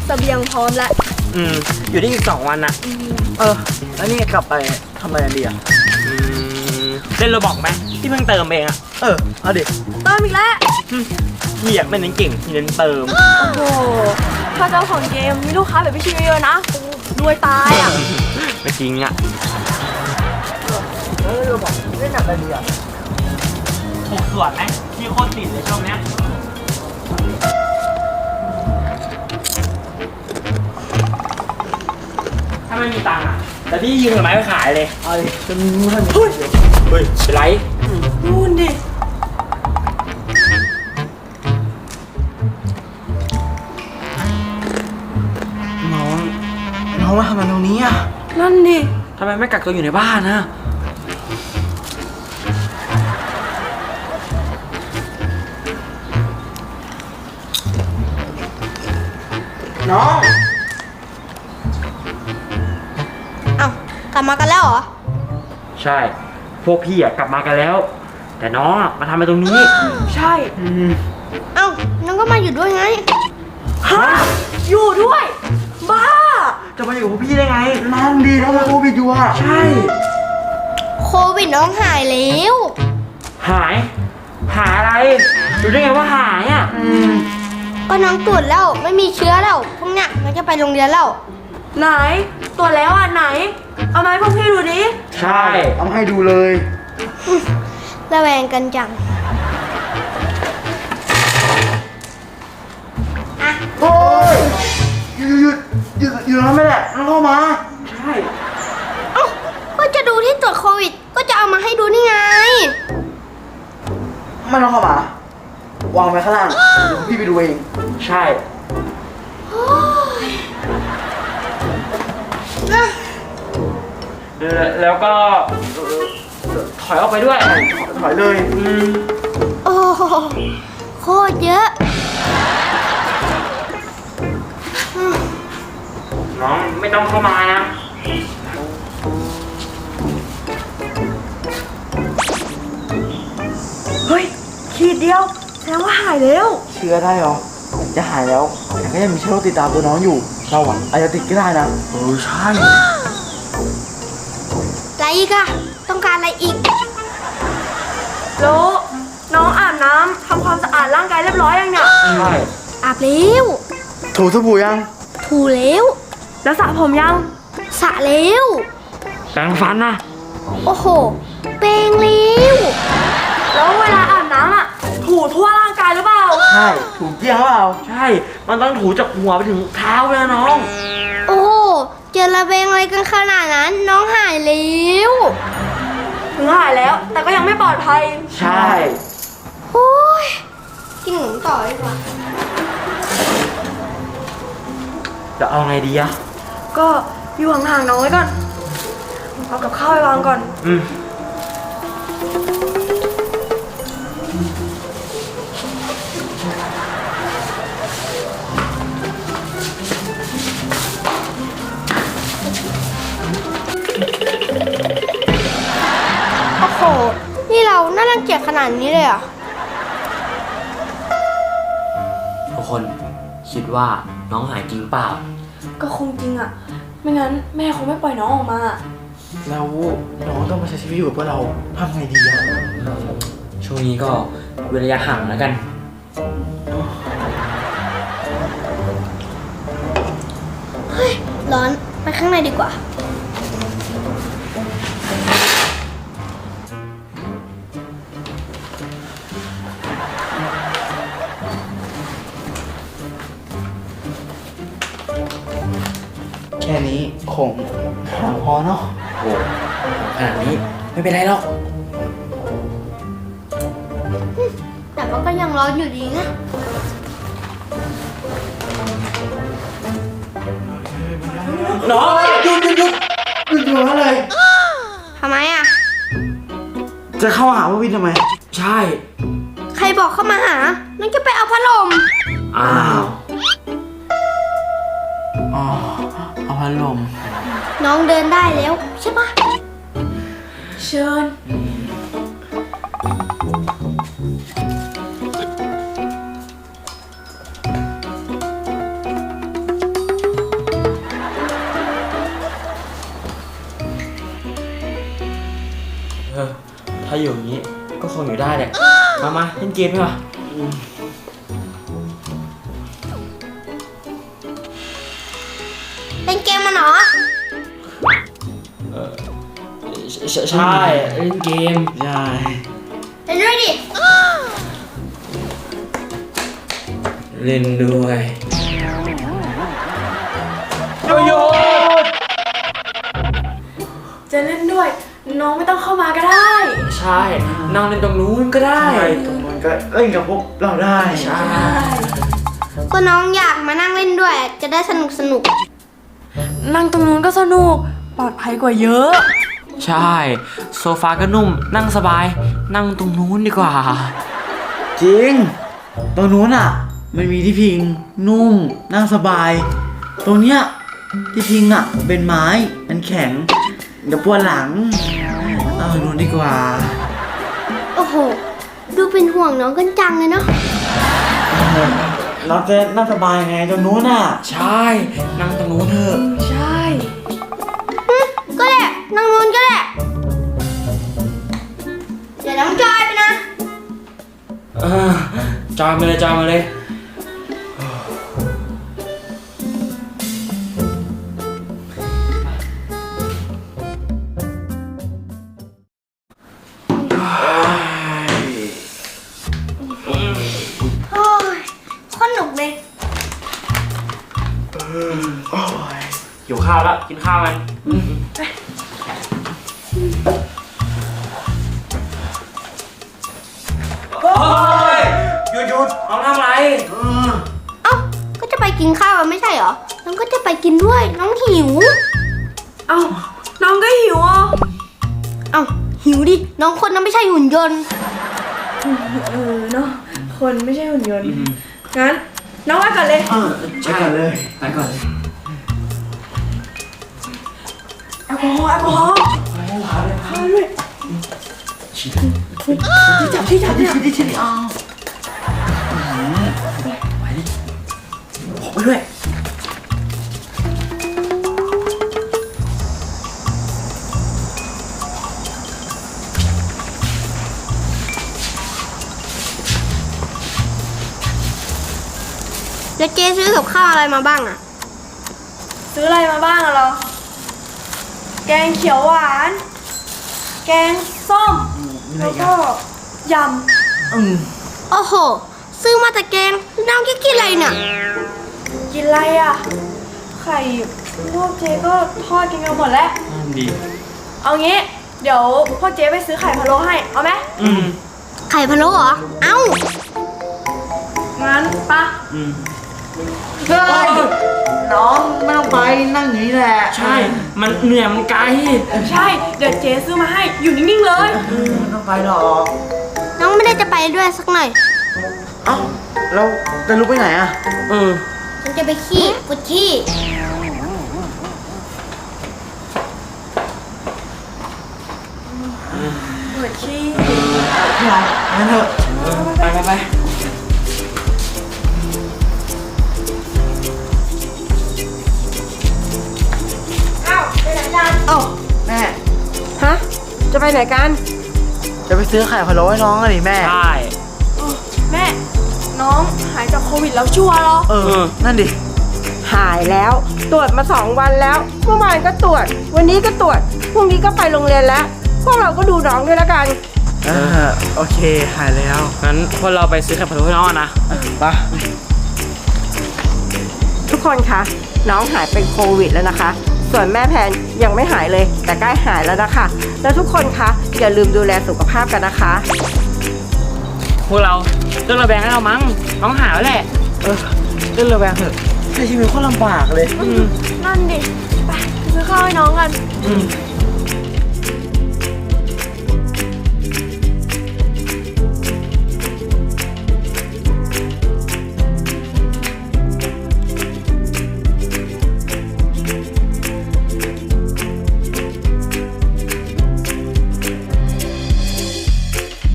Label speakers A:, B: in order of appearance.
A: เสบียงพร้อมแล้ว
B: อยู่ได้อีก2 วันอะ
C: แล้วนี่กลับไปทำอะไรดีอ่ะ
B: เล่นโรบอกไหมที่เพิ่งเติมเองอะ
C: เอาดิ
A: เติมอีกแล้ว
B: พี่อะไม่เน้นเก่งพี่เน้นเติม
A: โอ้โหถ้าเจ้าของเกมมีลูกค้าแบบพี่ชิวเยอะนะรวยตายอ่ะ
B: ไม่จริงอะ
C: โรบอกเล่นอะไรดีอ่ะ
B: ถูกส่วนไหมพี่โคตรติดเลยช่วงเนี้ยถ้าไม่มีตังค์อะแต่พี่ยืมไม้ไปขายเลย
C: เอาดิจะมีเงิน
B: เฮ้ยเป็นไร
A: นู่นดิ
C: น้องมาทำอะไรตรงนี้อ่ะ
A: นั่นดิ
B: ทำไมไม่กักตัวอยู่ในบ้านนะ
C: น้อง
A: กลับมากันแล้วเหรอ
B: ใช่พวกพี่อะกลับมากันแล้วแต่น้องอะมาทำอะไรตรงนี้
A: ใช่น้องก็มาอยู่ด้วยไงฮะอยู่ด้วยบ้า
B: จะมาอยู่กับพี่ได้ไง
C: นั่นดีน้องมาโควิดอยู่อ่ะ
B: ใช่
A: โควิดน้องหายแล้ว
B: หายอะไรรู้ได้ไงว่าหายอ่ะ
A: ก็น้องตรวจแล้วไม่มีเชื้อแล้วพวกเนี้ยน้องจะไปโรงเรียนแล้วไหนตรวจแล้วไหนเอามาให้พวกพี่ดูดิ
B: ใช่
C: เอาให้ดูเลย
A: ระแวงกันจัง
C: โอ้ยอยู่แล้วไม่แหละน้องเข้ามา
B: ใช่
A: ก็จะดูที่ตรวจโควิดก็จะเอามาให้ดูนี่ไง
C: ไม่ต้องเข้ามาวางไว้ข้างล่างเดี๋ยวพี่ไปดูเอง
B: ใช่แล้วก็ถอยออกไปด้วย
C: ถอยเลย
A: โอ้โคตรเยอะ
B: น้องไม่ต้องเข้ามานะ
A: เฮ้ยขีดเดียวแสดงว่าหายแล้ว
C: เชื้อได้หรอจะหายแล้วแต่ก็ยังมีเชื้อโรคติดตามตัวน้องอยู่เราอาจจะติดก็ได้นะ
B: ใช่
A: อะไรอีกอะต้องการอะไรอีกแล้วน้องอาบน้ำทำความสะอาดร่างกายเรียบร้อยยังเนี่ย
B: ใช่
A: อาบแล้ว
C: ถูสบู่ยัง
A: ถูแล้วแล้วสระผมยังสระแล้ว
B: แปรงฟันนะ
A: โอ้โหแปรงแล้วแล้วเวลาอาบน้ำอะถูทั่วร่างกายหรือเปล่า
C: ใช่ถูเกลี้ยงหรือเปล่า
B: ใช่มันต้องถูจากหัวไปถึงเท้าเลยน้อง
A: โอ้เจอระเบงอะไรกันขนาดนั้นน้องหายแล้วถึงหายแล้วแต่ก็ยังไม่ปลอดภัย
B: ใช่
A: โอ้ยกินหมูต่อดีกว่า
B: จะเอาไงดีอะ
A: ก็อยู่ห่างๆน้องไว้ก่อนเอากับข้าวไปวางก่อนโอ้โหนี่เราน่ารังเกียจขนาดนี้เลยอ่ะ
B: ทุกคนคิดว่าน้องหายจริงเปล่า
A: ก็คงจริงอ่ะไม่งั้นแม่คงไม่ปล่อยน้องออกมา
C: แล้วน้องต้องมาใช้ชีวิตอยู่กับพวกเราทำไงดีอะ
B: ช่วงนี้ก็เว้นระยะห่างแล้วกัน
A: เฮ้ยร้อนไปข้างในดีกว่า
C: แค่นี้คงหาพอเนาะ
B: โอ้ขนาดนี้ไม่เป็นไรหรอก
A: แต่ว่าก็ยังร้อนอยู่ดีนะ
B: น้อง
C: หยุดอะไร
A: ทำไมอ่ะ
C: จะเข้าหาว่าวินทำไม
B: ใช่
A: ใครบอกเข้ามาหานั่นจะไปเอาพัดลม
B: อ้าว
C: เอาพัดลม
A: น้องเดินได้แล้วใช่ปะเชิญ
C: น
B: ถ้าอยู่อย่างนี้ก็คงอยู่ได้แหละ มาเล่นเกมดีกว่า
A: เป็นเกมมันเหรอ
B: ใช่เล่นเกม
C: ใช่
A: เล่นด้วยดิ
B: เล่นด้วย
C: โยน
D: จะเล่นด้วย น้องไม่ต้องเข้ามาก็ได้
B: ใช่นั่งเล่นตรงนู้นก็ได้
C: ใช่ตรงนั้นก็เล่นกับพวกเราได้
B: ใช่
A: ก็น้องอยากมานั่งเล่นด้วย จะได้สนุก
D: นั่งตรงนู้นก็สนุก ปลอดภัยกว่าเยอะ
B: ใช่โซฟาก็นุ่มนั่งสบาย นั่งตรงนู้นดีกว่า
C: จริง ตรงนู้นอ่ะ มันมีที่พิงนุ่มนั่งสบาย ตรงเนี้ยที่พิงอ่ะ เป็นไม้มันแข็งเดี๋ยวปวดหลังเอาตรงนู้นดีกว่า
A: โอ้โห ดูเป็นห่วงน้องกันจังเลยเนาะ
C: เราจะนั่งสบายไงตรงนู้นอ่ะ
B: ใช่นั่งตรงนู้นเถอะ
D: ใช่
A: ก็ได้นั่งนู้นก็ได้เดี๋ยวน้องจอยไปนะ
B: จอยมาเลย
A: โอ้ยโคนหนุกเลย
B: หิวข้าวแล้วกินข้าวกันโอ้ยหยุดน้องทำอะไร
A: เอ้า ก็จะไปกินข้าวอะไม่ใช่เหรอ น้องก็จะไปกินด้วย น้องหิว
D: เอ้า น้องก็หิวอ่ะ
A: เอ้า หิวดิ น้องคนนั้นไม่ใช่หุ่นยนต์
D: เนาะ คนไม่ใช่หุ่นยนต์ งั้น น้องไปก่อนเลย
C: ไปก่อนเลย
B: ไปก่อนเลย
D: แอลกอฮอล์แอลกอฮอล์เข้าด้วยจับเนี่ย
C: ไปด้วย
A: แล้วเจ๊ซื้อกับข้าวอะไรมาบ้างอะ
D: ซื้ออะไรมาบ้างอะเรา แกงเขียวหวาน แกงส้ม แล้วก็ย
A: โอ้โห ซื้อมาแต่แกง น้องจะกินอะไรเนี่ย
D: ำ กินอะไรอ่ะ ไข่พวกเจ๊ก็ทอดกินกันหมดแล้ว
B: ดี
D: เอางี้ เดี๋ยวพ่อเจ๊ไปซื้อไข่พะโล้ให้ เอาไหม
A: ไข่พะโล้เหรอ เอ้า
D: งั้นปะ
C: เฮ้ยน้องไม่ต้องไปนั่งอย่างนี้แหละ
B: ใช่ มันเหนื่อยมันไกล
D: ใช่ เดี๋ยวเจ๊ซื้อมาให้ อยู่นิ่งๆเลย
C: ไม่ต้องไปหรอก
A: น้องไม่ได้จะไปด้วยสักหน่อย
C: เอ้าเราจะลุกไปไหนอ่ะ
A: ฉันจะไปขี้ปวดขี้
D: เปิดขี้
C: พี่เรางั้นเถอะ
B: ไป
A: เอ้าไปไหนกัน
C: เอ้าแม่
D: ฮะ จะไปไหนกัน
C: จะไปซื้อไข่พะโล้ให้น้องอะดิแม่
B: ใช่
D: แม่ น้องหายจากโควิดแล้วชัวร์เหรอ
C: นั่นดิ
E: หายแล้วตรวจมา 2 วันแล้วเมื่อวานก็ตรวจ วันนี้ก็ตรวจพรุ่งนี้ก็ไปโรงเรียนแล้ว พวกเราก็ดูน้องด้วยแล้วกัน
C: โอเค หายแล้ว
B: งั้นพวกเราไปซื้อไข่พะโล้ให้น้องอะนะ
C: ไป
E: ทุกคนคะน้องหายเป็นโควิดแล้วนะคะ ส่วนแม่แพนยังไม่หายเลย แต่ใกล้หายแล้วนะคะ แล้วทุกคนคะอย่าลืมดูแลสุขภาพกันนะคะ
B: พวกเราเรื่องระแวงให้เรามั้งน้องหายแล้วแหละ
C: เล่นระแวงเถอะใช้ชีวิตโคตรลำบากเลย
D: นั่นดิ ไปซื้อข้าวให้น้องกัน
B: อืม